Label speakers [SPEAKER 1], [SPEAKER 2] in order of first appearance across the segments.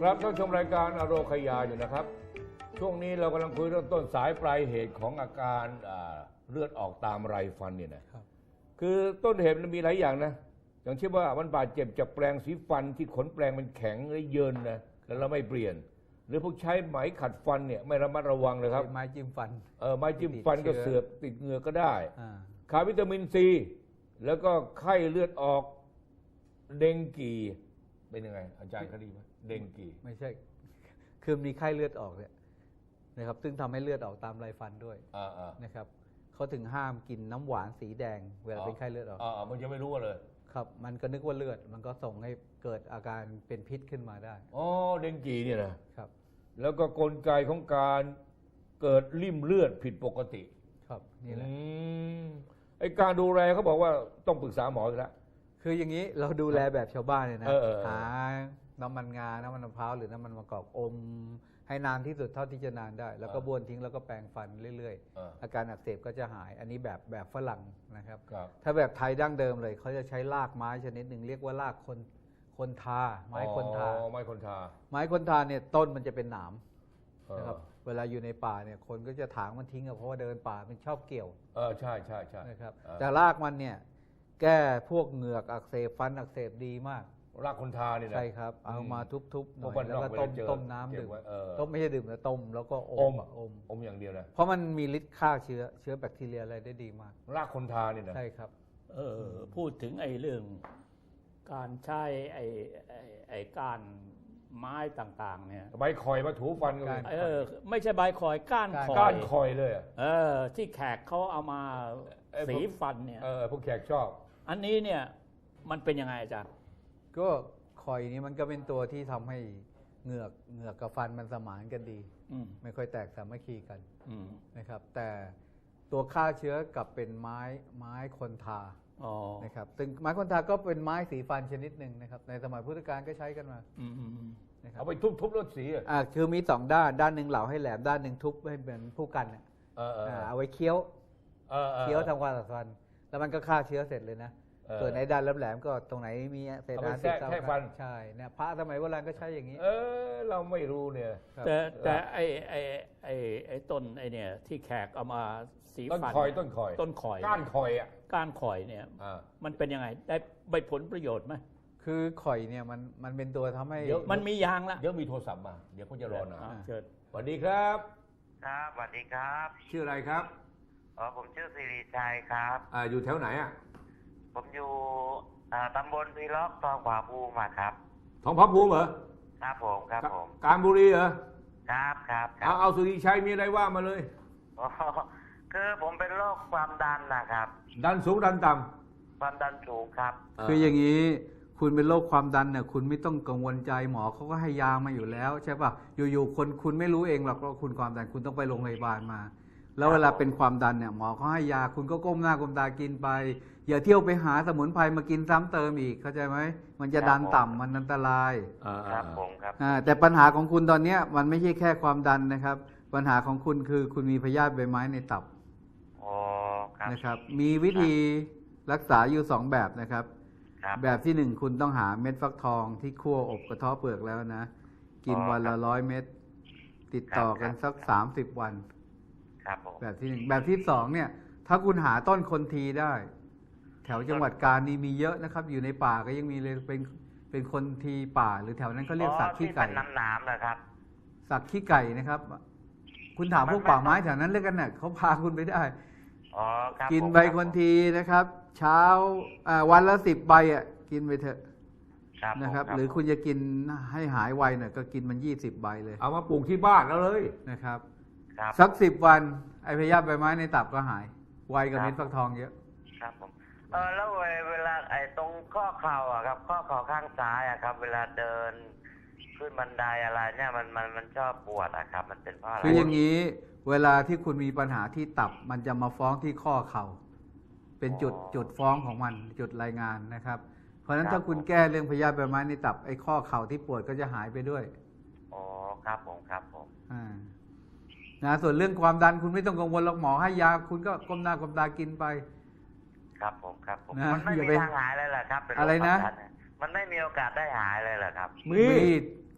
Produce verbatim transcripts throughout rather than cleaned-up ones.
[SPEAKER 1] ครับท่านชมรายการอโรคยาอยู่นะครับช่วงนี้เรากำลังคุยเรื่องต้นสายปลายเหตุของอาการเลือดออกตามไรฟันเนี่ยนะคือต้นเหตุมันมีหลายอย่างนะอย่างเช่นว่ามันบาดเจ็บจากแปรงสีฟันที่ขนแปรงมันแข็งหรือเยินนะแล้วเราไม่เปลี่ยนหรือพวกใช้ไหมขัดฟันเนี่ยไม่ระมัดระวังเลยครับ
[SPEAKER 2] ไม้จิ้มฟัน
[SPEAKER 1] เออไม้จิ้มฟันก็เสือกติดเหงือกก็ได้ขาดวิตามินซีแล้วก็ไข้เลือดออกเดงกีเป็นยังไงอาจารย์คดีไหมเดงกี
[SPEAKER 2] ไม่ใช่คือมีไข้เลือดออกเนี่ยนะครับซึ่งทำให้เลือดออกตามไรฟันด้วยนะครับเขาถึงห้ามกินน้ำหวานสีแดงเวลาเป็นไข้เลือดออก
[SPEAKER 1] อ๋อมันจะไม่รู้เลย
[SPEAKER 2] ครับมันก็นึกว่าเลือดมันก็ส่งให้เกิดอาการเป็นพิษขึ้นมาได้
[SPEAKER 1] อ๋อเดงกีเนี่ยนะครับแล้วก็กลไกของการเกิดริ่มเลือดผิดปกติ
[SPEAKER 2] ครับนี่แหละ
[SPEAKER 1] ไอการดูแลเขาบอกว่าต้องปรึกษาหมอแล้ว
[SPEAKER 2] คืออย่างนี้เราดูแลแบบชาวบ้านเลยนะหาน้ำมันงาน้ำมันมะพร้าวหรือน้ำมันมะกอกอมให้นานที่สุดเท่าที่จะนานได้แล้วก็บ้วนทิ้งแล้วก็แปรงฟันเรื่อยๆอาการอักเสบก็จะหายอันนี้แบบแบบฝรั่งนะครับถ้าแบบไทยดั้งเดิมเลยเขาจะใช้รากไม้ชนิดหนึ่งเรียกว่ารากคนคนทาไม้คนทา
[SPEAKER 1] ไม้คนทา
[SPEAKER 2] ไม้คนทาเนี่ยต้นมันจะเป็นหนามนะครับเวลาอยู่ในป่าเนี่ยคนก็จะถางมันทิ้งเพราะว่าเดินป่ามันชอบเกี่ยว
[SPEAKER 1] เออใช่ใช่ใช่
[SPEAKER 2] นะครับแต่รากมันเนี่ยแก้พวกเหงือกอักเสบฟันอักเสบดีมาก
[SPEAKER 1] รากคนทาเนี่ยนะ
[SPEAKER 2] ใช่ครับเอามาทุบๆหน่อยแล้วก็ต้มต้มน้ำดื่มต้มไม่ใช่ดื่มนะต้มแล้วก็อม
[SPEAKER 1] อมอมอย่างเดียวนะ
[SPEAKER 2] เพราะมันมีฤทธิ์ฆ่าเชื้อเชื้อแบคทีเรียอะไรได้ดีมาก
[SPEAKER 1] รากคนทาเนี่ยนะ
[SPEAKER 2] ใช่ครับ
[SPEAKER 3] เออพูดถึงไอ้เรื่องการใช้ไอ้ไอ้ก้านไม้ต่างๆเนี่ย
[SPEAKER 1] ใบคอยมาถูฟันกัน
[SPEAKER 3] เออไม่ใช่ใบคอยก้านคอย
[SPEAKER 1] ก้านคอยเลย
[SPEAKER 3] เออที่แขกเขาเอามาสีฟันเนี่ย
[SPEAKER 1] เออพวกแขกชอบ
[SPEAKER 3] อันนี้เนี่ยมันเป็นยังไงอาจารย์
[SPEAKER 2] ก็คอยนี้มันก็เป็นตัวที่ทำให้เหงือกเหงือกกับฟันมันสมานกันดีไม่ค่อยแตกสามัคคีกันนะครับแต่ตัวฆ่าเชื้อกับเป็นไม้ไม้คนทานะครับซึ่งไม้คนทาก็เป็นไม้สีฟันชนิดหนึ่งนะครับในสมัยพุทธกาลก็ใช้กันมา
[SPEAKER 1] เอาไปทุบๆรถสี
[SPEAKER 2] อ่าคือมีสองด้านด้านหนึ่งเหลาให้แหลมด้านหนึ่งทุบให้เป็นผู้กันเนี่ยเอาไว้เคี้ยวเคี้ยวทำความสะอาดฟันแล้วมันก็ฆ่าเชื้อเสร็จเลยนะส่วนในด้านแหลมๆก็ตรงไหนมีเศษอาหารติด
[SPEAKER 1] แค่ฟัน
[SPEAKER 2] ใช่เนี่ยพระสมัยโบราณก็ใช้อย่างนี้
[SPEAKER 1] เออเราไม่รู้เนี่ย
[SPEAKER 3] แต่แต่ไอ้ไอ้ไอ้ไอ้ต้นไอ้เนี่ยที่แขกเอามาสี
[SPEAKER 1] ฟันต้นคอยต้นคอย
[SPEAKER 3] ต้นคอย
[SPEAKER 1] ก้านคอยอ่ะ
[SPEAKER 3] ก้านคอยเนี่ยมันเป็นยังไงได้ใบผลประโยชน์ไหม
[SPEAKER 2] คือข่อยเนี่ยมันมันเป็นตัวทำให้
[SPEAKER 3] มันมียางละ
[SPEAKER 1] เดี๋ยวมีโทรศัพท์มาเดี๋ยวเขาจะรอหน่อย
[SPEAKER 3] เชิญ
[SPEAKER 1] สวัสดีครับ
[SPEAKER 4] ครับสวัสดีครับ
[SPEAKER 1] ชื่ออะไรครับ
[SPEAKER 4] อ๋อผมชื่อสิริชัยครับ
[SPEAKER 1] อ่าอยู่แถวไหนอ่ะ
[SPEAKER 4] ผมอยู่ตำบลพีล็อกทองผาภูมิครับ
[SPEAKER 1] ทองผาภูมิเหรอ
[SPEAKER 4] ครับผมครับผม
[SPEAKER 1] กาญบุรีเหรอ
[SPEAKER 4] ครับครับ
[SPEAKER 1] เอาเอาสุริชัยมีอะไรว่ามาเลย
[SPEAKER 4] อ๋อคือผมเป็นโรคความดันนะครับ
[SPEAKER 1] ดันสูงดันต่
[SPEAKER 4] ำความดันสูงครับ
[SPEAKER 2] คืออย่างนี้คุณเป็นโรคความดันเนี่ยคุณไม่ต้องกังวลใจหมอเขาก็ให้ยามาอยู่แล้วใช่ป่ะอยู่ๆคนคุณไม่รู้เองหรอกว่าคุณความดันคุณต้องไปโรงพยาบาลมาแล้วเวลาเป็นความดันเนี่ยหมอเขาให้ยาคุณก็ก้มหน้าก้มตากินไปอย่าเที่ยวไปหาสมุนไพรมากินซ้ำเติมอีกเข้าใจไหมมันจะดันต่ำมันอันตราย
[SPEAKER 4] ครับผมครับ
[SPEAKER 2] แต่ปัญหาของคุณตอนนี้มันไม่ใช่แค่ความดันนะครับปัญหาของคุณคือคุณมีพยาธิใบไม้ในตับนะครับมีวิธีรักษาอยู่สองแบบนะครับแบบที่หนึ่งคุณต้องหาเม็ดฟักทองที่คั่วอบกระเทาะเปลือกแล้วนะกินวันละร้อยเม็ดติดต่อกันสักสามสิบวันแบบที่หนึ่งแบบที่สองเนี่ยถ้าคุณหาต้นคนทีได้แถวจังหวัดกาญนี่มีเยอะนะครับอยู่ในป่าก็ยังมีเลยเป็นเป็นคนทีป่าหรือแถวนั้นเขาเรียกสักขี้ไก่
[SPEAKER 4] น้ำน้ำนะครับ
[SPEAKER 2] สักขี้ไก่นะครับคุณถามพวกป่าไม้แถวนั้นเรียกกันเนี่ยเขาพาคุณไปได้กินใบคนทีนะครับเช้าวันละสิบใบอ่ะกินไปเถอะนะครับหรือคุณจะกินให้หายไวหน่อยก็กินมันยี่สิบใบเลย
[SPEAKER 1] เอามาปลูกที่บ้านแล้วเลย
[SPEAKER 2] นะครับสักสิบวันไอพยาธิใบไม้ในตับก็หายไวกับเม็ดฟักทองเยอะ
[SPEAKER 4] ครับผมเออแล้วเวลาไอ้ตรงข้อเข่าอ่ะครับข้อเข่าข้างซ้ายอ่ะครับเวลาเดินขึ้นบันไดอะไรเนี่ยมันมันมันชอบปวดอ่ะครับมันเป็นเพราะอะไร
[SPEAKER 2] คืออย่างนี้เวลาที่คุณมีปัญหาที่ตับมันจะมาฟ้องที่ข้อเข่าเป็นจุดจุดฟ้องของมันจุดรายงานนะครับเพราะฉะนั้นถ้าคุณแก้เรื่องพยาธิใบไม้ในตับไอ้ข้อเข่าที่ปวดก็จะหายไปด้วย
[SPEAKER 4] อ๋อครับผมครับผม
[SPEAKER 2] อ่านะส่วนเรื่องความดันคุณไม่ต้องกังวลหรอกหมอให้ยาคุณก็ก้มหน้าก้มตากินไป
[SPEAKER 4] ครับผมครับผมมันไม่มีทางหายเลยเหรอครับ
[SPEAKER 2] อะไรนะ
[SPEAKER 4] มันไม่มีโอกาสได้หายเลยเหรอครับ
[SPEAKER 2] มี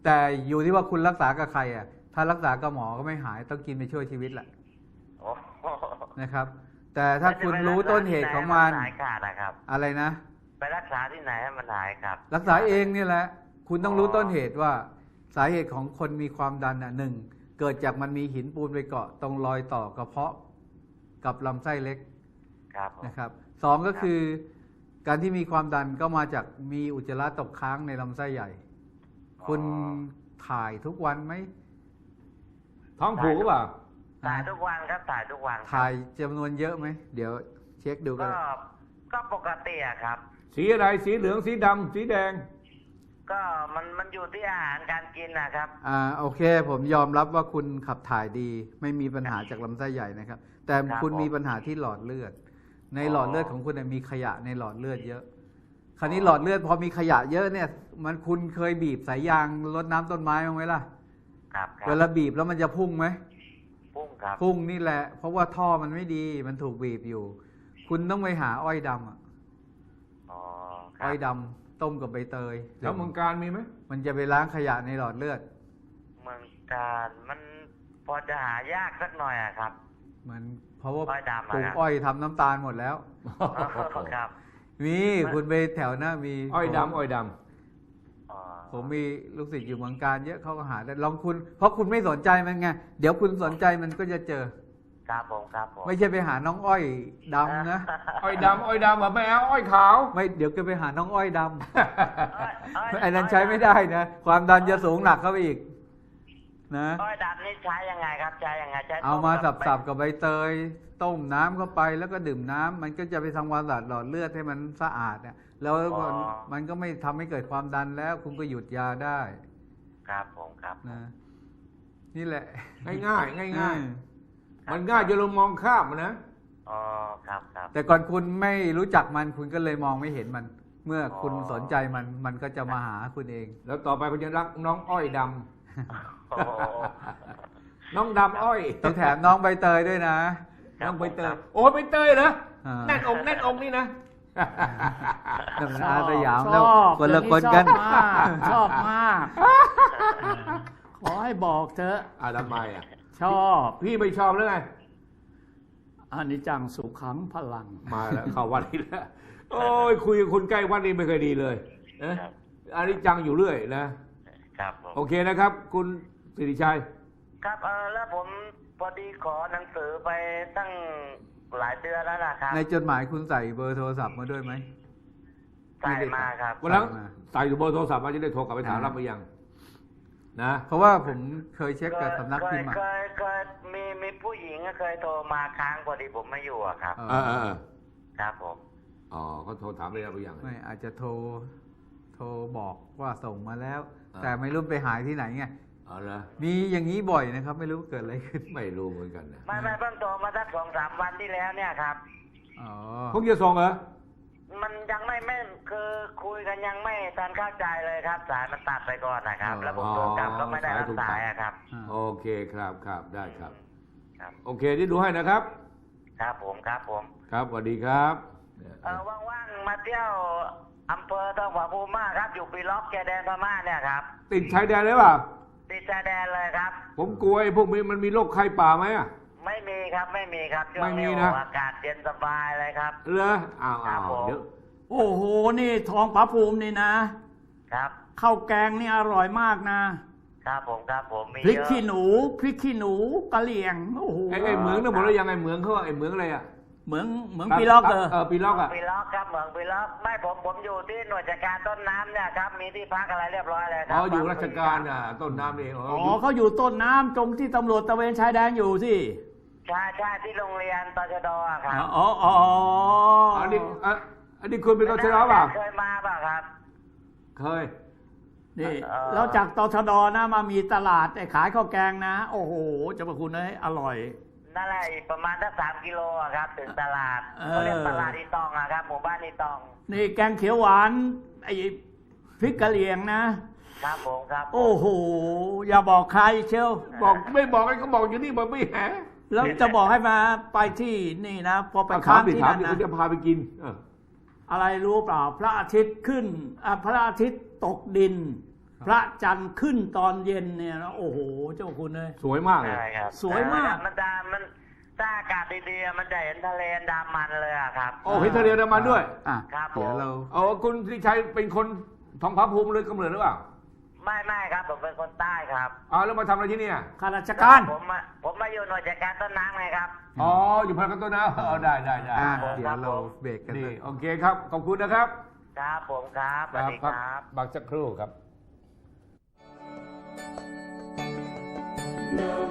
[SPEAKER 2] แต่อยู่ที่ว่าคุณรักษากับใครอ่ะถ้ารักษากับหมอก็ไม่หายต้องกินไปช่วยชีวิตแหละ
[SPEAKER 4] โอ้โห
[SPEAKER 2] นะครับ แต่ถ้าคุณรู้ต้นเหตุของมัน
[SPEAKER 4] หายขาดนะครับ
[SPEAKER 2] อะไรนะ
[SPEAKER 4] ไปรักษาที่ไหนให้มันหายครับ
[SPEAKER 2] รักษาเองนี่แหละ คุณต้องรู้
[SPEAKER 4] อ๋อ
[SPEAKER 2] ต้นเหตุว่าสาเหตุของคนมีความดันอ่ะหนึ่งเกิดจากมันมีหินปูนไปเกาะตรงรอยต่อกระเพาะกับลำไส้เล็ก
[SPEAKER 4] ครับผม
[SPEAKER 2] นะครับสองก็คือการที่มีความดันก็มาจากมีอุจจาระตกค้างในลำไส้ใหญ่ คุณถ่ายทุกวันไหม
[SPEAKER 1] ท้องผูกหรือเปล่า
[SPEAKER 4] ถ่ายทุกวันครับถ่ายทุกวันครับ
[SPEAKER 2] ถ่ายจำนวนเยอะไหมเดี๋ยวเช็คดูกั
[SPEAKER 4] ก็
[SPEAKER 2] น
[SPEAKER 4] ก็ปกติอะครับ
[SPEAKER 1] สีอะไรสีเหลืองสีดำสีแดง
[SPEAKER 4] ก็มันมันอยู่ที่อาหารการกินนะครับ
[SPEAKER 2] อ่าโอเค ผมยอมรับว่าคุณขับถ่ายดี ไม่มีปัญหาจากลำไส้ใหญ่นะครับ แต่
[SPEAKER 4] ครับ
[SPEAKER 2] คุณ
[SPEAKER 4] ผม
[SPEAKER 2] มีปัญหาที่หลอดเลือด ใน
[SPEAKER 4] อ๋อ
[SPEAKER 2] หลอดเลือดของคุณเนี่ยมีขยะในหลอดเลือดเยอะ คราวนี้หลอดเลือดพอมีขยะเยอะเนี่ย มันคุณเคยบีบสายยางรดน้ำต้นไม้บ้างไหมล่ะ
[SPEAKER 4] ครับครับ
[SPEAKER 2] เวลาบีบแล้วมันจะพุ่งไหม
[SPEAKER 4] พุ่งครับ
[SPEAKER 2] พุ่งนี่แหละ เพราะว่าท่อมันไม่ดี มันถูกบีบอยู่ คุณต้องไปหาอ้อยดำอะ
[SPEAKER 4] อ๋อครั
[SPEAKER 2] อ้
[SPEAKER 4] บ
[SPEAKER 2] อยดำต้มกับใบเตย
[SPEAKER 1] แล้วเมืองการมีไหม
[SPEAKER 2] มันจะไปล้างขยะในหลอดเลือด
[SPEAKER 4] เมืองการมันพอจะหายากสักหน่อยอะครับ
[SPEAKER 2] มันเพราะว่า
[SPEAKER 4] อ้อยดำอะ
[SPEAKER 2] ปลูก
[SPEAKER 4] ครับ
[SPEAKER 2] อ้อยทำน้ำตาลหมดแล้ว
[SPEAKER 4] อ๋อครับ
[SPEAKER 2] มีคุณไปแถวหน้ามี
[SPEAKER 1] อ้อยดำอ้อยด
[SPEAKER 4] อ๋อ
[SPEAKER 2] ผมมีลูกศิษย์อยู่เมืองการเยอะเขาก็หาได้ลองคุณ เพราะคุณไม่สนใจมันไง เดี๋ยวคุณสนใจมันก็จะเจอ
[SPEAKER 4] ครับผมครับผม
[SPEAKER 2] ไม่ใช่ไปหาน้องอ้อยดำนะ
[SPEAKER 1] ำอ้อยดำอ้อยดำแบบไม่เอาอ้อยขาว
[SPEAKER 2] ไม่เดี๋ยวก็ไปหาน้องอ้อยด
[SPEAKER 4] อ้อยอ้อย
[SPEAKER 2] ำ ไอ้นั้นใช้ไม่ได้นะ ความดันจะสูงหนักเข้าไปอีก นะ
[SPEAKER 4] อ้อยดำนี่ใช้ยังไงครับใช้ยังไงใช้
[SPEAKER 2] เอามา
[SPEAKER 4] ต้
[SPEAKER 2] สับๆกับใบเตย ต้มน้ำเข้าไปแล้วก็ดื่มน้ำมันก็จะไปทำความสะอาดหลอดเลือดให้มันสะอาดเนี่ยแล้วมันมันก็ไม่ทำให้เกิดความดันแล้ว คุณก็หยุดยาได้
[SPEAKER 4] ครับผมครับ
[SPEAKER 2] นะนี่แหละ
[SPEAKER 1] ง่ายง่ายง่ายง่าย
[SPEAKER 2] อืม
[SPEAKER 1] ๆมันง่ายจนเรามองข้ามมันนะ
[SPEAKER 4] อ๋อครับครับ
[SPEAKER 2] แต่ก่อนคุณไม่รู้จักมันคุณก็เลยมองไม่เห็นมัน เมื่อคุณ
[SPEAKER 4] อ๋อ
[SPEAKER 2] สนใจมันมันก็จะมาหาคุณเอง
[SPEAKER 1] แล้วต่อไปคุณจะรักน้องอ้อยด
[SPEAKER 4] โอ้โห
[SPEAKER 1] ำน้องดำอ้อย
[SPEAKER 2] ต้องแถมน้องใบเตยด้วยนะ
[SPEAKER 1] น้องใบเตยโอ้ใบเตยเหรอ
[SPEAKER 2] อ่า
[SPEAKER 1] แน่นอกแน่นอกนี่นะ
[SPEAKER 2] นั่นมันอาสยาม
[SPEAKER 3] ช
[SPEAKER 2] แล้ว
[SPEAKER 3] อบ
[SPEAKER 2] คนละ
[SPEAKER 3] เดี๋ยว
[SPEAKER 2] คนกัน
[SPEAKER 3] ชอบมากชอบมาก ขอให้บอกเถอะ
[SPEAKER 1] อ่าทำไมอ่ะ
[SPEAKER 3] ชอบ
[SPEAKER 1] พี่ไม่ชอบหรือไง
[SPEAKER 3] อันนี้จังสุขังพลัง
[SPEAKER 1] มาแล้วเข้าวันนี้แล้วโอ้ยคุยกับคุณใกล้วันนี้ไม่เคยดีเลยนะครับ อันนี้จังอยู่เรื่อยนะ
[SPEAKER 4] ครับผม
[SPEAKER 1] โอเคนะครับ คุณสิริชัย
[SPEAKER 4] ครับเออแล้วผมพอดีขอหนังสือไปตั้งหลายเดือนแล้วนะครับ
[SPEAKER 2] ในจดหมายคุณใส่เบอร์โทรศัพท์มาด้วยไหม
[SPEAKER 4] ใส่มาครับ
[SPEAKER 1] วันหลัง
[SPEAKER 2] ใส่มา
[SPEAKER 1] ใส่อยู่เบอร์โทรศัพท์มาจะได้โทรกลับไปถาม
[SPEAKER 2] อ่า
[SPEAKER 1] รับไปยัง นะ
[SPEAKER 2] เพราะว่าผมเคยเช็คกับสำนักพิมพ์
[SPEAKER 4] เค
[SPEAKER 2] อะ
[SPEAKER 4] ยเคยเคยมีมีผู้หญิงเคยโทรมาค้างพอดีผมไม่อยู่อะครับ
[SPEAKER 2] เอ
[SPEAKER 1] เออ
[SPEAKER 2] อ
[SPEAKER 1] เออเออ
[SPEAKER 4] ครับผม
[SPEAKER 1] อ๋อเขาโทรถามไปแล้วไปยัง
[SPEAKER 2] ไม่อาจจะโทรโทรบอกว่าส่งมาแล้ว
[SPEAKER 1] อ่า
[SPEAKER 2] แต่ไม่รู้ไปหายที่ไหนไง
[SPEAKER 1] อ๋อเหรอ
[SPEAKER 2] มีอย่างนี้บ่อยนะครับ ไม่รู้เกิดอะไรขึ้น
[SPEAKER 1] ไม่รู้เหมือนกันนะ
[SPEAKER 4] ไม่ไม่เพิ่งโทรมาสักสองสามวันที่แล้วเนี่ยครับ
[SPEAKER 2] อ๋อ
[SPEAKER 1] พวกจะส่งเหรอ
[SPEAKER 4] มันยังไม่ไม่คือคุยกันยังไม่ทันเข้าใจเลยครับ สายมันตัดไปก่อนนะครับ แล้วผมโทรกลับก็ไม่ได้รับสายอะครับ
[SPEAKER 2] อ่า
[SPEAKER 1] โอเคครับครับได้ครับ
[SPEAKER 4] ครับ
[SPEAKER 1] โอเคที่ดูให้นะครับ
[SPEAKER 4] ครับผมครับผม
[SPEAKER 1] ครับสวัสดีครับ
[SPEAKER 4] เออว่างๆมาเที่ยวอำเภอทองผาภูมิมากครับ อยู่ปีล็อกแกแดนพม่าเนี่ยครับ
[SPEAKER 1] ติดชายแดนเลยเปล่า
[SPEAKER 4] ติดชายแดนเลยครับ
[SPEAKER 1] ผมกลัวไอ้พวกนี้มันมีโรคไข้ป่าไหมอ่ะ
[SPEAKER 4] ไม่มีครับไม่มีครับช่ว
[SPEAKER 1] ไม่
[SPEAKER 4] ง
[SPEAKER 1] มี
[SPEAKER 4] นี้
[SPEAKER 1] นะ
[SPEAKER 4] โอ้อากาศเย็นสบายเลยครับ
[SPEAKER 1] เหรออ้าว
[SPEAKER 4] ครั
[SPEAKER 1] อ้า
[SPEAKER 4] บ
[SPEAKER 1] ว
[SPEAKER 4] ผม
[SPEAKER 1] เดี๋ยว
[SPEAKER 3] โอ้โห นี่ทองผาภูมินี่นะ
[SPEAKER 4] ครับ
[SPEAKER 3] ข้าวแกงนี่อร่อยมากนะ
[SPEAKER 4] ครับผมครับผมมี
[SPEAKER 3] พริก
[SPEAKER 4] เยอะ
[SPEAKER 3] ขี้หนูพริกขี้หนูกะเหรี่ยงโอ้โห
[SPEAKER 1] ไอ้ไอ้เหมืองนั่นหมดแล้วยังไอ้เหมืองเขาว่าไอ้เหมืองอะไรอ่ะ
[SPEAKER 3] เหมืองเหมืองปีล็อกเออ
[SPEAKER 1] เออปีล็อกอ่ะ
[SPEAKER 4] ปีล็อกครับเหมืองปีล็อกไม่ผมผมอยู่ที่หน่วยจัดการต้นน้ำเนี่ยครับมีที่พักอะไรเรียบร้อยเลยครั
[SPEAKER 1] อ๋ออยู่ราชการอ่ะต้นน้ำนี่เองอ๋อ
[SPEAKER 3] อ๋
[SPEAKER 1] อ
[SPEAKER 3] อยู่ เขาอยู่ต้นน้ำตรงที่ตำรวจตระเวนชายแดนอยู่สิ
[SPEAKER 4] ใช่ใช่ที่โรงเรียนตชดอะครับ
[SPEAKER 3] อ๋ออ๋อ
[SPEAKER 1] อันนี้อ่ะอันนี้คุณเป็นตชดเปล่า
[SPEAKER 4] เคยมาเปล่าครับ
[SPEAKER 1] เคย
[SPEAKER 3] นี่
[SPEAKER 4] เอ่อ
[SPEAKER 3] แล้วจากตชดนะมามีตลาดไอ้ขายข้าวแกงนะ โอ้โหเจะประคุณเลยอร่อย
[SPEAKER 4] นั่นแหละอีกประมาณสักสามกิโลอะครับ ถึงตลาด
[SPEAKER 3] เออ
[SPEAKER 4] เขาเรียกตลาดอีตองอะครับหมู่บ้านอีตอง
[SPEAKER 3] นี่แกงเขียวหวานไอ้พริกกะเหรี่ยงนะ
[SPEAKER 4] ครับผมครับผม
[SPEAKER 3] โอ้โห อย่าบอกใครเชียว
[SPEAKER 1] บอกไม่บอกไอ้เขาบอกอยู่นี่บอกไม่แห
[SPEAKER 3] แล้วจะบอกให้มาไปที่นี่นะ พอไป
[SPEAKER 1] เอาถา
[SPEAKER 3] ค้าม ง
[SPEAKER 1] ดิ
[SPEAKER 3] ที่
[SPEAKER 1] ถาม
[SPEAKER 3] นั่น
[SPEAKER 1] ดิ
[SPEAKER 3] นะ
[SPEAKER 1] คุณจะพาไปกินเออ
[SPEAKER 3] อะไรรู้เปล่า พระอาทิตย์ขึ้นอ่ะพระอาทิตย์ตกดิน
[SPEAKER 2] อ
[SPEAKER 3] พระจันทร์ขึ้นตอนเย็นเนี่ยนะโอ้โหเจ้าคุณเลย
[SPEAKER 1] สวยมากเลย
[SPEAKER 4] ใช่ครับ
[SPEAKER 3] สวยมาก
[SPEAKER 4] มันจะมันถ้าอากาศดีๆมันจะเห็นทะเลอันดามันเลยอะครับ
[SPEAKER 1] โอ้เห็นทะเลอันดามันด้วย
[SPEAKER 2] อ่ะ
[SPEAKER 4] ครับ
[SPEAKER 2] เดี๋ยว
[SPEAKER 4] ผม
[SPEAKER 2] เรา
[SPEAKER 1] เอาคุณที่ชัยเป็นคนทองผาภูมิเลยกำเนิดหรือเปล่า
[SPEAKER 4] ไม่ไม่ครับผมเป็นคนใต้ครับ
[SPEAKER 1] อ๋อแล้วมาทำอะไรที่เนี่ย
[SPEAKER 3] ข้าราชการ
[SPEAKER 4] ผมมาผมมาอยู่หน่วยจัดการต้นน้ำไงครับ
[SPEAKER 1] อ๋ออยู่พารากอนต้นนะอ๋อได้ได้ได้
[SPEAKER 2] อ่ะ
[SPEAKER 4] ผม
[SPEAKER 2] เดี๋ยวเราเบรกกัน
[SPEAKER 1] นี่
[SPEAKER 2] สัก
[SPEAKER 1] โอเคครับขอบคุณนะครับ
[SPEAKER 4] ครับผมครับสวัสดีครับ
[SPEAKER 1] บักสักครู่ครับ
[SPEAKER 5] No